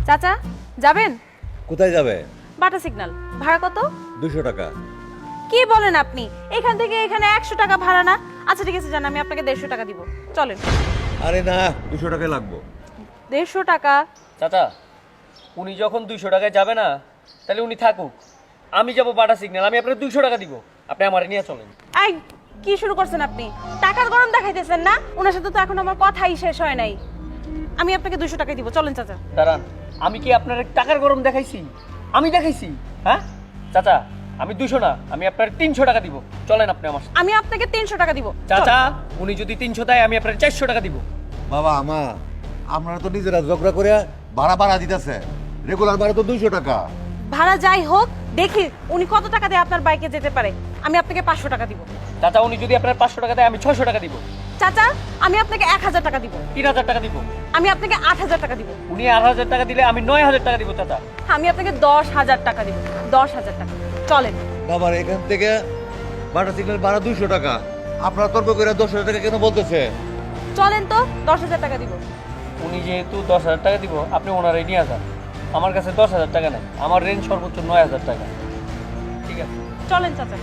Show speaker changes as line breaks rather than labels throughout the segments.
চাচা যাবেন?
কোথায় যাবে?
Bata signal. ভাড়া কত?
200 টাকা।
কি বলেন আপনি? এখান থেকে এখানে 100 টাকা ভাড়া না? আচ্ছা ঠিক আছে, জান, আমি আপনাকে 150 টাকা দিব। চলেন।
আরে না, 200 টাকাই লাগবে।
150 টাকা?
চাচা, উনি যখন 200 টাকায় যাবে না, তাহলে উনি থাকুক। আমি যাব বাটা সিগন্যাল, আমি আপনাকে 200 টাকা দিব। আপনি আমারে নিয়ে চলেন।
আই, কি শুরু করছেন আপনি? টাকার গরম দেখাইতেছেন না? ওনার সাথে তো এখন আমার কথাই শেষ হয় নাই। আমি আপনাকে 200 টাকাই দিব। চলেন চাচা।
দাঁড়ান, আমি কি আপনার টাকার গরম দেখাইছি? আমি দেখাইছি? হ্যাঁ চাচা, আমি 200 না, আমি আপনার 300 টাকা দিব। চলেন আপনি আমার সাথে।
আমি আপনাকে 300 টাকা দিব।
চাচা, উনি যদি 300 দেয়, আমি আপনার 400 টাকা দিব।
বাবা আমা, আপনারা তো নিজেরা ঝগড়া করে ভাড়া দিতেছে। রেগুলার ভাড়া তো 200 টাকা।
ভাড়া যাই হোক, দেখি উনি কত টাকা দিয়ে আপনার বাইকে যেতে পারে। আমি আপনাকে 500 টাকা দিব।
চাচা, উনি যদি আপনার 500 টাকা দেয়, আমি 600 টাকা দিব।
চাচা, আমি আপনাকে 1000 টাকা দিব।
3000 টাকা দিব।
আমি আপনাকে 8000 টাকা দিব।
উনি 8000 টাকা দিলে আমি 9000 টাকা দিব। চাচা,
আমি আপনাকে 10,000 টাকা দিব। 10,000 টাকা। চলেন।
বাবার এখান থেকে বাটা সিগন্যাল ভাড়া 200 টাকা। আপনারা তর্ক করে 10,000 টাকা কেন বলতেছে?
চলেন তো, 10,000 টাকা দিব।
উনি যেহেতু 10,000 টাকা দিব, আপনি ওনারাই নিয়ে যান। আমার কাছে 10,000 টাকা নেই, আমার রেঞ্জ সর্বোচ্চ 9000 টাকা। ঠিক আছে,
চলেন চাচা।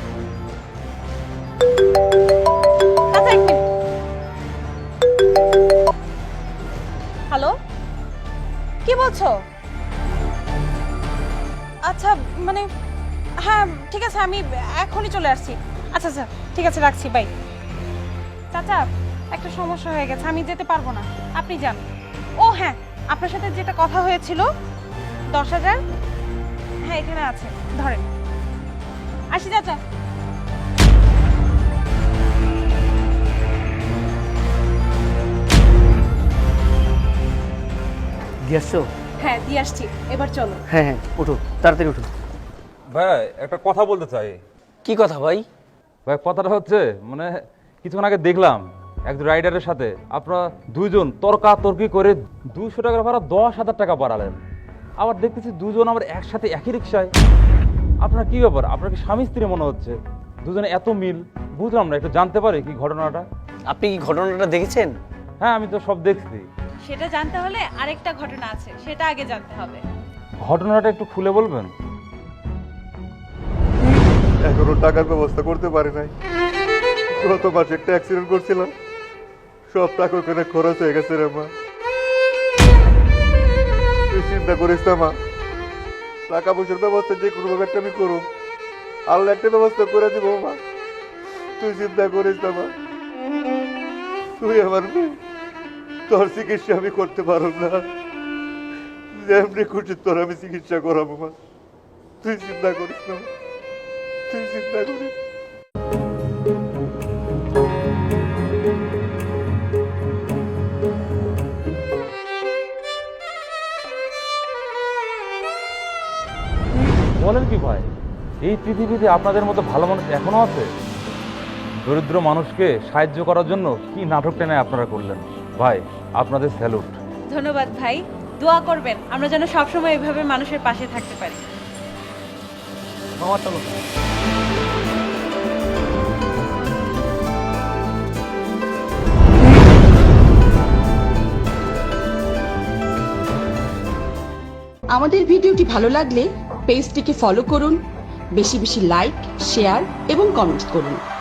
চাচা এক মিনিট। হ্যালো, কি বলছো? আচ্ছা মানে, হ্যাঁ ঠিক আছে, আমি এখনই চলে আসছি। আচ্ছা আচ্ছা ঠিক আছে, রাখছি, বাই। চাচা, একটা সমস্যা হয়ে গেছে, আমি যেতে পারবো না, আপনি যান। ও হ্যাঁ, আপনার সাথে যেটা কথা হয়েছিল 10,000, হ্যাঁ এখানে আছে, ধরেন। আসি চাচা।
দিয়ে আসছো?
হ্যাঁ দিয়ে আসছি, এবার চলো।
হ্যাঁ হ্যাঁ, উঠো, তাড়াতাড়ি উঠো।
ভাই একটা কথা বলতে চাই।
কি কথা ভাই?
ভাই কথাটা হচ্ছে মানে কিছুক্ষণ আগে দেখলাম একজন রাইডারের সাথে আপনারা দুইজন তর্কাতর্কি করে 200 টাকার ভাড়া 10,000 টাকা বাড়ালেন। আবার দেখতেছি দুজন আবার একসাথে একই রিক্সায়। আপনার কি ব্যাপার? আপনার কি স্বামী স্ত্রী মনে হচ্ছে? দুজনে এত মিল, বুঝলাম না, একটু জানতে পারি কি ঘটনাটা?
আপনি কি ঘটনাটা দেখেছেন?
হ্যাঁ আমি তো সব দেখছি।
সেটা জানতে হলে আরেকটা ঘটনা আছে, সেটা আগে জানতে হবে।
ঘটনাটা একটু খুলে বলবেন?
এখনো টাকার ব্যবস্থা করতে পারি নাই। গত মাসে একটা অ্যাক্সিডেন্ট করছিলাম, সব টাকা ওখানে খরচ হয়ে গেছে রে মা। তুই চিন্তা করিস না মা, টাকা পয়সার ব্যবস্থা যে কোনো ভাবে একটা আমি করব, আল্লাহ একটা ব্যবস্থা করে দিব মা। তুই চিন্তা করিস না মা, তুই আমার মেয়ে, তোর চিকিৎসা আমি করতে পারব না, যেমনি খুশি তোর আমি চিকিৎসা করাবো মা। তুই চিন্তা করিস না, তুই চিন্তা করিস।
বলেন কি ভাই, এই পৃথিবীতে আপনাদের মতো ভালো মানুষ এখনো আছে? দরিদ্র মানুষকে সাহায্য করার জন্য কি নাটক টেনে আপনারা করলেন। ভাই আপনাদের স্যালুট।
ধন্যবাদ ভাই, দোয়া করবেন আমরা যেন সবসময় এভাবে মানুষের পাশে থাকতে পারি।
মামা চলো।
আমাদের ভিডিওটি ভালো লাগলে পেজটিকে ফলো করুন, বেশি বেশি লাইক, শেয়ার এবং কমেন্ট করুন।